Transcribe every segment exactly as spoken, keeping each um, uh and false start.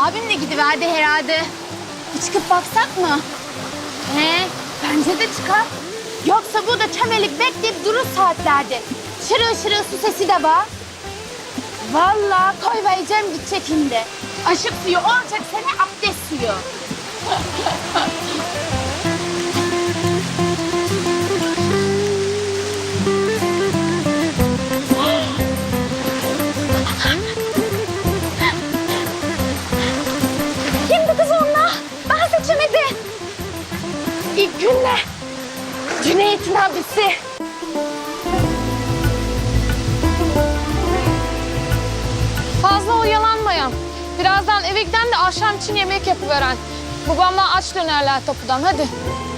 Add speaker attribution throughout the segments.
Speaker 1: Abim de gidiverdi herhalde. Bir çıkıp baksak mı? He, bence de çıkar. Yoksa burada çömelip bekleyip durur saatlerde. Şırıl şırıl su sesi de var. Vallahi koy vereceğim gidecek şimdi. Aşık suyu olacak sana abdest suyu. Kimdi kız onunla? Ben seçemedim. İlk günle. Cüneyt'in abisi.
Speaker 2: Fazla oyalanmayan. Birazdan eve giden de akşam için yemek yapıveren. Babamla aç dönerler tapudan, hadi.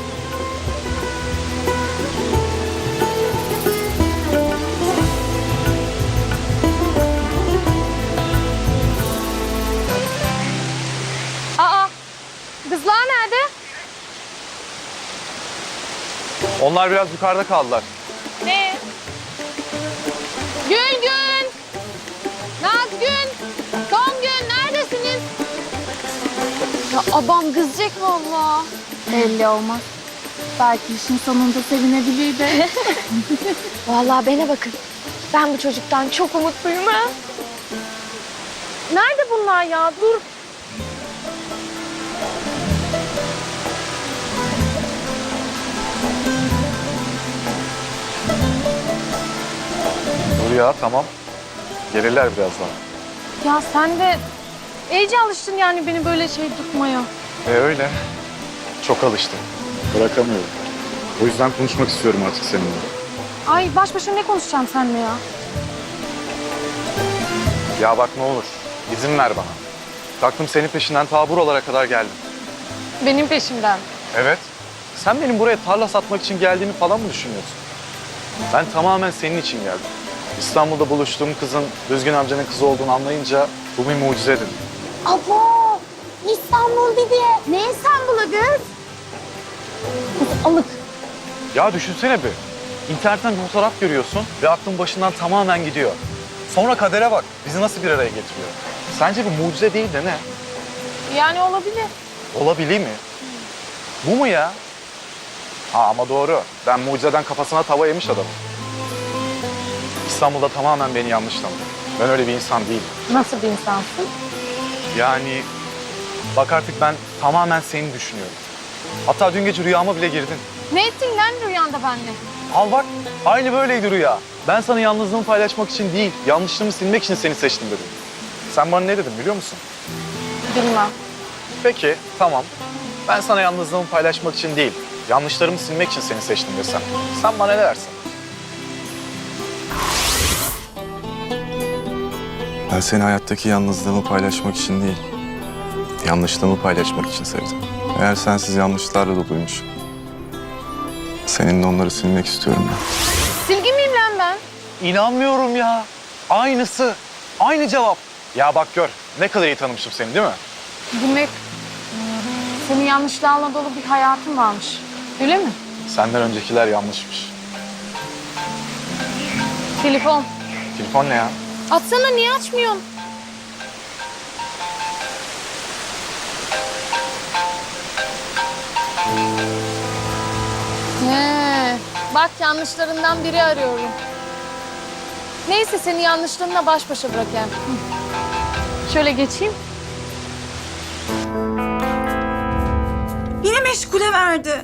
Speaker 2: Aa, kızlar nerede?
Speaker 3: Onlar biraz yukarıda kaldılar.
Speaker 2: Ne? Gülgün! Nazgün! Songül neredesiniz? Ya abam kızacak vallahi.
Speaker 1: Belli olmaz. Belki işin sonunda sevinebilir de.
Speaker 2: Vallahi bana bakın. Ben bu çocuktan çok umutluyum ha. Nerede bunlar ya? Dur.
Speaker 3: Dur ya, tamam. Gelirler birazdan.
Speaker 2: Ya sen de iyice alıştın yani beni böyle şey tutmaya.
Speaker 3: E öyle. Çok alıştım. Bırakamıyorum. O yüzden konuşmak istiyorum artık seninle.
Speaker 2: Ay baş başa ne konuşacağım seninle ya?
Speaker 3: Ya bak ne olur, izin ver bana. Taktım senin peşinden ta buralara kadar geldim.
Speaker 2: Benim peşimden.
Speaker 3: Evet. Sen benim buraya tarla satmak için geldiğimi falan mı düşünüyorsun? Ben tamamen senin için geldim. İstanbul'da buluştuğum kızın Düzgün amcanın kızı olduğunu anlayınca bu bir mucize dedim.
Speaker 1: Abo! İstanbul dedi. Ne İstanbul'u kız? Kız alık.
Speaker 3: Ya düşünsene bir. İnternetten bir fotoğraf görüyorsun ve aklın başından tamamen gidiyor. Sonra kadere bak, bizi nasıl bir araya getiriyor. Sence bu mucize değil de ne?
Speaker 2: Yani olabilir.
Speaker 3: Olabilir mi? Bu mu ya? Ha ama doğru. Ben mucizeden kafasına tava yemiş adamım. İstanbul'da tamamen beni yanlış tanıdı. Ben öyle bir insan değilim.
Speaker 2: Nasıl bir insansın?
Speaker 3: Yani bak artık ben tamamen seni düşünüyorum. Hatta dün gece rüyama bile girdin.
Speaker 2: Ne ettin lan rüyanda benimle?
Speaker 3: Al bak, aynı böyleydi rüya. Ben sana yalnızlığımı paylaşmak için değil, yanlışlığımı silmek için seni seçtim dedim. Sen bana ne dedin biliyor musun?
Speaker 2: Bilmem.
Speaker 3: Peki, tamam. Ben sana yalnızlığımı paylaşmak için değil, yanlışlarımı silmek için seni seçtim desem. Sen bana ne dersin?
Speaker 4: Ben seni hayattaki yalnızlığımı paylaşmak için değil, yanlışlığımı paylaşmak için sevdim. Eğer sensiz yanlışlarla doluymuş, seninle onları silmek istiyorum ben.
Speaker 2: Silgi miyim lan ben?
Speaker 3: İnanmıyorum ya. Aynısı, aynı cevap. Ya bak gör, ne kadar iyi tanımışım seni değil mi?
Speaker 2: Demek senin yanlışlarla dolu bir hayatın varmış. Öyle mi?
Speaker 3: Senden öncekiler yanlışmış.
Speaker 2: Telefon.
Speaker 3: Telefon ne ya?
Speaker 2: Atsana, niye açmıyorsun? He, bak yanlışlarından biri arıyorum. Neyse seni yanlışlarınla baş başa bırakayım. Hı. Şöyle geçeyim.
Speaker 5: Yine meşgule verdi.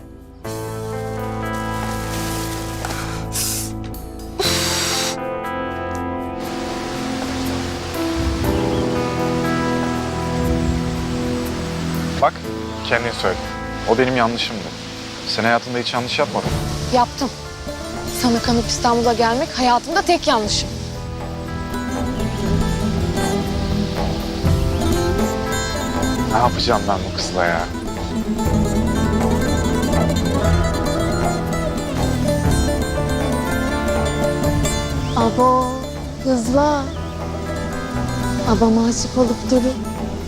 Speaker 3: Bak, kendin söyle. O benim yanlışımdı. Sen hayatında hiç yanlış yapmadın.
Speaker 2: Yaptım. Sana kanıp İstanbul'a gelmek hayatımda tek yanlışım.
Speaker 3: Ne yapacağım ben bu kızla ya?
Speaker 2: Abo, hızla. Abama aşık olup durun.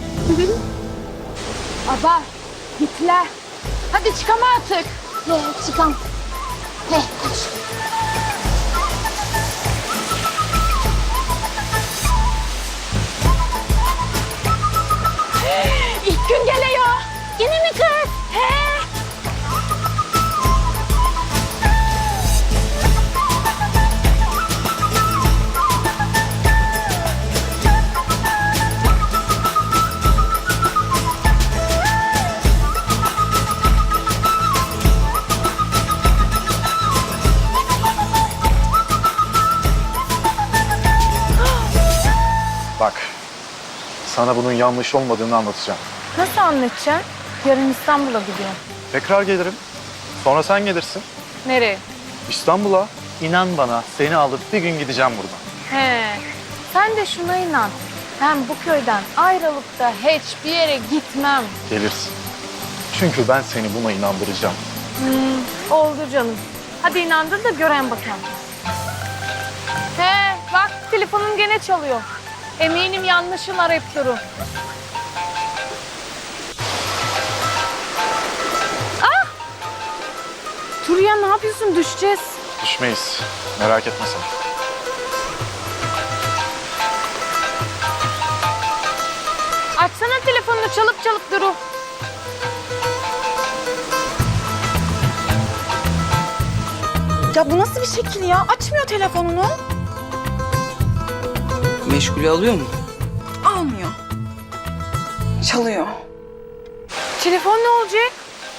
Speaker 1: Aba, gittiler. Hadi çıkama artık.
Speaker 2: He, çıkam.
Speaker 1: He, koş. İlk gün geliyor. Yine mi kız? He?
Speaker 3: Bak, sana bunun yanlış olmadığını anlatacağım.
Speaker 2: Nasıl anlatacaksın? Yarın İstanbul'a gidiyorum.
Speaker 3: Tekrar gelirim. Sonra sen gelirsin.
Speaker 2: Nereye?
Speaker 3: İstanbul'a. İnan bana, seni alıp bir gün gideceğim buradan.
Speaker 2: He. Sen de şuna inan. Ben bu köyden ayrılıp da hiçbir yere gitmem.
Speaker 3: Gelirsin. Çünkü ben seni buna inandıracağım.
Speaker 2: Hmm, oldu canım. Hadi inandır da gören bakalım. He, bak telefonum gene çalıyor. Eminim yanlışın arayıp durur. Ah! Dur ya, ne yapıyorsun? Düşeceğiz.
Speaker 3: Düşmeyiz. Merak etme sen.
Speaker 2: Açsana telefonunu, çalıp çalıp duru.
Speaker 5: Ya bu nasıl bir şekil ya? Açmıyor telefonunu.
Speaker 6: Meşgule alıyor mu?
Speaker 5: Almıyor. Çalıyor.
Speaker 2: Telefon ne olacak?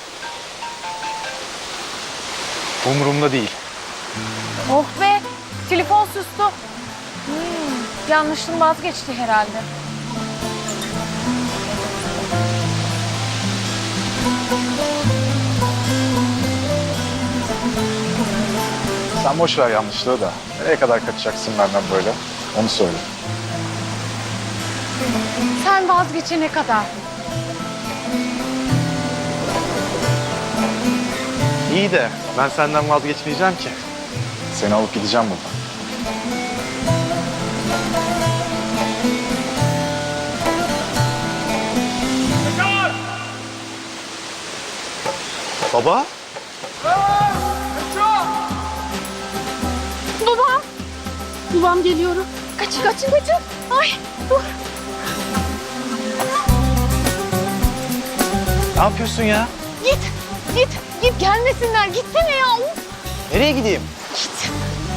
Speaker 3: Umurumda değil.
Speaker 2: Oh be, telefon sustu. Hmm, yanlışın vazgeçti herhalde.
Speaker 3: Sen boş ver yanlışlığı da. Nereye kadar kaçacaksın benden böyle? Onu söyle.
Speaker 2: Sen vazgeçene kadar.
Speaker 3: İyi de ben senden vazgeçmeyeceğim ki. Seni alıp gideceğim buradan. Baba?
Speaker 1: Babam. Babam geliyor. Kaçın kaçın kaçın. Ay dur.
Speaker 3: Ne yapıyorsun ya?
Speaker 1: Git git git gelmesinler. Gitsene ya. Uf.
Speaker 3: Nereye gideyim?
Speaker 1: Git.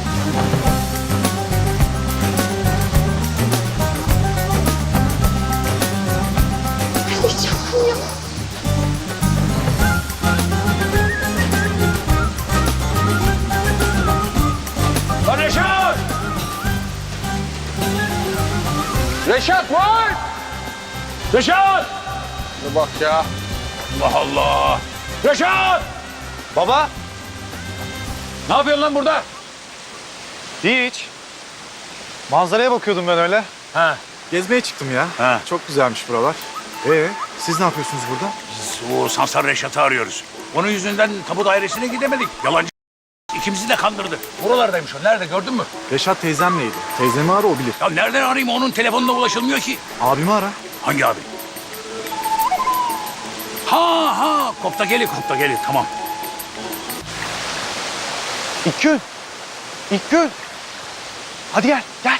Speaker 1: Öleceğim ya.
Speaker 7: Lan Reşat! Reşat var! Reşat! Ne bak ya. Allah Allah! Reşat!
Speaker 3: Baba?
Speaker 7: Ne yapıyorsun lan burada?
Speaker 3: Hiç. Manzaraya bakıyordum ben öyle.
Speaker 7: Ha.
Speaker 3: Gezmeye çıktım ya.
Speaker 7: Ha.
Speaker 3: Çok güzelmiş buralar. Ee, siz ne yapıyorsunuz burada?
Speaker 7: Biz o Sansar Reşat'ı arıyoruz. Onun yüzünden tapu dairesine gidemedik. Yalancı ikimizi de kandırdı. Buralardaymış o. Nerede gördün mü?
Speaker 3: Reşat teyzemleydi. Teyzemi ara o bilir.
Speaker 7: Ya nereden arayayım? Onun telefonuna ulaşılmıyor ki.
Speaker 3: Abimi ara.
Speaker 7: Hangi abi? Ha ha. Kopta geli, kopta geli. Tamam.
Speaker 3: İlkgün. İlkgün. Hadi gel, gel.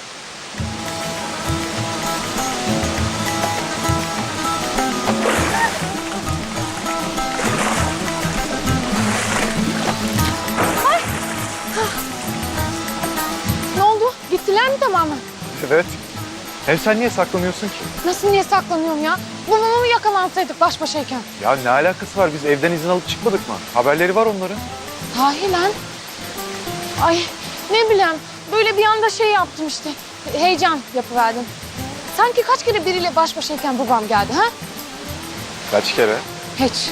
Speaker 2: Ne oldu? Gittiler mi tamamen?
Speaker 3: Evet. Hem sen niye saklanıyorsun ki?
Speaker 2: Nasıl, niye saklanıyorum ya? Bu mu yakalansaydık baş başayken?
Speaker 3: Ya ne alakası var? Biz evden izin alıp çıkmadık mı? Haberleri var onların.
Speaker 2: Sahi lan. Ay ne bileyim, böyle bir anda şey yaptım işte. Heyecan yapıverdim. Sanki kaç kere biriyle baş başayken babam geldi ha?
Speaker 3: Kaç kere?
Speaker 2: Hiç.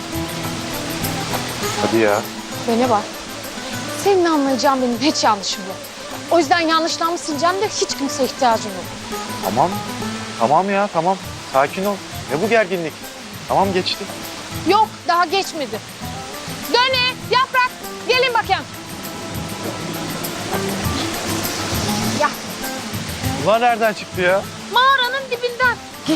Speaker 3: Hadi ya.
Speaker 2: Bana bak. Senin anlayacağın benim hiç yanlışım yok. O yüzden yanlışlarımı sileceğim de hiç kimseye ihtiyacım yok.
Speaker 3: Tamam. Tamam ya, tamam. Sakin ol. Ne bu gerginlik? Tamam geçti.
Speaker 2: Yok, daha geçmedi. Döne, Yaprak, gelin bakayım. Ya,
Speaker 3: Bunlar nereden çıktı ya?
Speaker 2: mağaranın dibinden. Geç.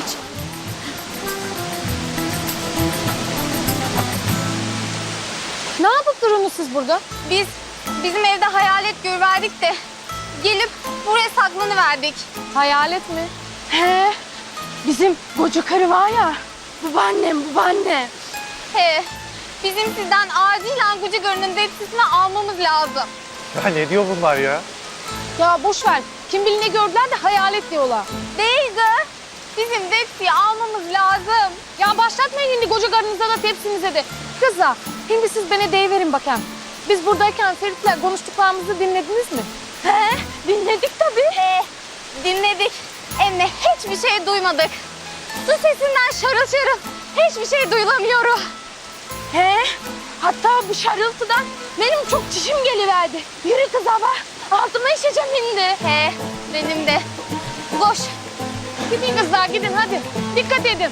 Speaker 2: Ne yapıp durunuz siz burada?
Speaker 1: Biz bizim evde hayalet görüverdik de gelip buraya saklanıverdik.
Speaker 2: Hayalet mi? He. bizim koca karı var ya. Babaannem, babaannem.
Speaker 1: He, bizim sizden acilen Gucu Karı'nın tepsisini almamız lazım.
Speaker 3: Ya ne diyor bunlar ya?
Speaker 2: Ya boş ver. Kim bilir ne gördüler de hayalet diyorlar.
Speaker 1: Değil kız. Bizim tepsiyi almamız lazım.
Speaker 2: Ya başlatmayın şimdi koca karınıza da tepsinize de. Kızlar, şimdi siz bana deyiverin bakayım. Biz buradayken Ferit'le konuştuklarımızı dinlediniz mi?
Speaker 1: He, dinledik tabii. He, dinledik. Hem de hiçbir şey duymadık. Su sesinden şarıl şarıl hiçbir şey duyulamıyorum.
Speaker 2: He, hatta bu şarıltıdan benim çok çişim geliverdi. Yürü kız abla, altıma işeceğim şimdi.
Speaker 1: He, benim de. Koş.
Speaker 2: Gidin kızlar, gidin hadi. Dikkat edin.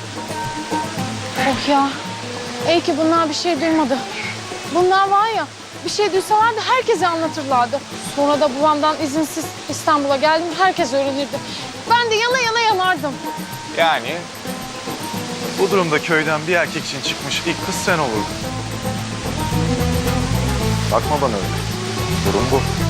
Speaker 2: Oh ya, iyi ki bunlar bir şey duymadı. Bunlar var ya, bir şey duysalardı herkese anlatırlardı. Sonra da babamdan izinsiz İstanbul'a geldim, herkes öğrenirdi. Ben de yana yana yanardım.
Speaker 3: Yani bu durumda köyden bir erkek için çıkmış ilk kız sen olurdun. Bakma bana öyle. Durum bu.